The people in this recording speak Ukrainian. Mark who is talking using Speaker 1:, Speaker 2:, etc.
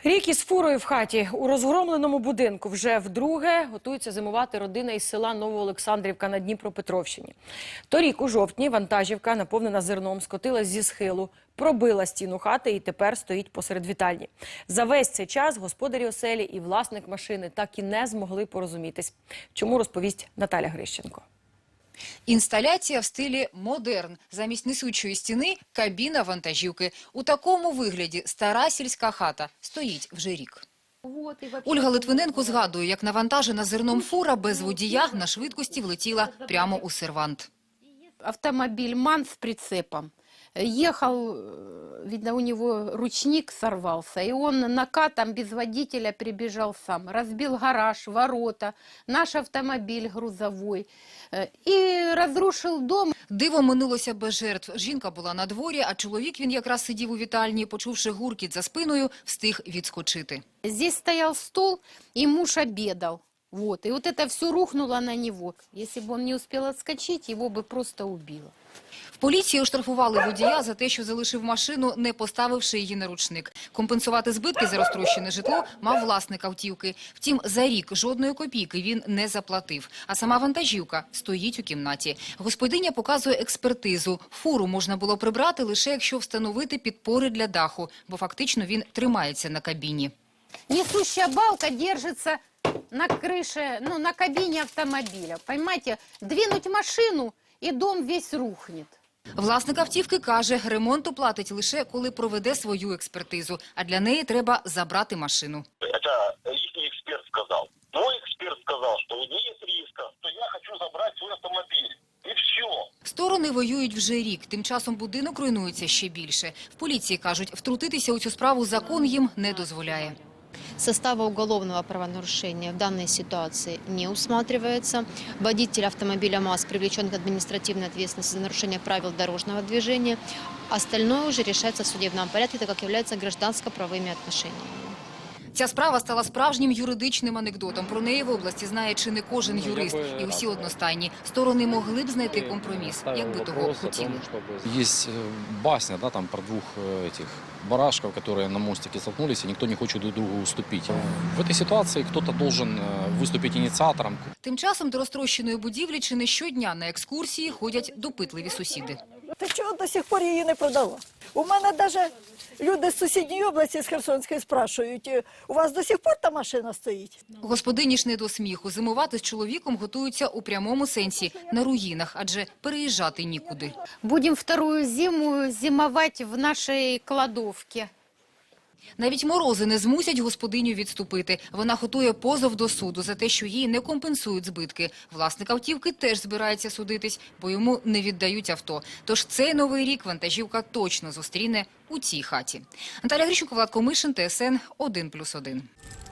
Speaker 1: Рік із фурою в хаті. У розгромленому будинку вже вдруге готується зимувати родина із села Новоолександрівка на Дніпропетровщині. Торік у жовтні вантажівка, наповнена зерном, скотилась зі схилу, пробила стіну хати і тепер стоїть посеред вітальні. За весь цей час господарі оселі і власник машини так і не змогли порозумітись. Чому, розповість Наталя Грищенко.
Speaker 2: Інсталяція в стилі модерн. Замість несучої стіни – кабіна вантажівки. У такому вигляді стара сільська хата стоїть вже рік. Ольга Литвиненко згадує, як навантажена зерном фура без водія на швидкості влетіла прямо у сервант.
Speaker 3: Автомобиль МАН с прицепом. Ехал, видно, у него ручник сорвался, и он накатом без водителя прибежал сам. Разбил гараж, ворота, наш автомобиль грузовой и разрушил дом.
Speaker 2: Диво минулося без жертв. Жінка була на дворі, а чоловік, він якраз сидів у вітальні, почувши гуркіт за спиною, встиг відскочити.
Speaker 3: Здесь стоял стол, и муж обедал. Вот. И вот это все рухнуло на него. Если бы он не успел отскочить, его бы просто убило.
Speaker 2: В поліції оштрафували водія за те, що залишив машину, не поставивши її на ручник. Компенсувати збитки за розтрощене житло мав власник автівки. Втім, за рік жодної копійки він не заплатив. А сама вантажівка стоїть у кімнаті. Господиня показує експертизу. Фуру можна було прибрати лише якщо встановити підпори для даху, бо фактично він тримається на кабіні.
Speaker 3: Несущая балка держится на крыше, ну, на кабине автомобиля. Понимаете, двинуть машину, и дом весь рухнет.
Speaker 2: Власник автівки каже, ремонт оплатить лише коли проведе свою експертизу, а для неї треба забрати машину.
Speaker 4: Это их эксперт сказал. Мой эксперт сказал, что нет риска, что я хочу забрать свой автомобиль. И все.
Speaker 2: Сторони воюють вже рік, тим часом будинок руйнується ще більше. В поліції кажуть, втрутитися у цю справу закон їм не дозволяє.
Speaker 5: Состава уголовного правонарушения в данной ситуации не усматривается. Водитель автомобиля МАЗ привлечен к административной ответственности за нарушение правил дорожного движения. Остальное уже решается в судебном порядке, так как является гражданско-правовыми отношениями.
Speaker 2: Ця справа стала справжнім юридичним анекдотом. Про неї в області знає чи не кожен юрист. І усі одностайні. Сторони могли б знайти компроміс, якби того хотіли.
Speaker 6: Есть басня, да, там про двух этих барашков, которые на мостике столкнулись, и никто не хочет друг другу уступить. В этой ситуации кто-то должен выступить инициатором.
Speaker 2: Тим часом до розтрощеної будівлі чи не щодня на екскурсії ходять допитливі сусіди.
Speaker 7: Ти чого до сих пор її не продала? У мене навіть люди з сусідньої області, з Херсонської, спрашують, у вас до сих пор та машина стоїть?
Speaker 2: Господині ж не до сміху. Зимувати з чоловіком готуються у прямому сенсі – на руїнах, адже переїжджати нікуди.
Speaker 3: Будем вторую зиму зимовать в нашей кладовке.
Speaker 2: Навіть морози не змусять господиню відступити. Вона готує позов до суду за те, що їй не компенсують збитки. Власник автівки теж збирається судитись, бо йому не віддають авто. Тож цей новий рік вантажівка точно зустріне у цій хаті. Наталя Грищенко, Влад Комишин, ТСН 1+1.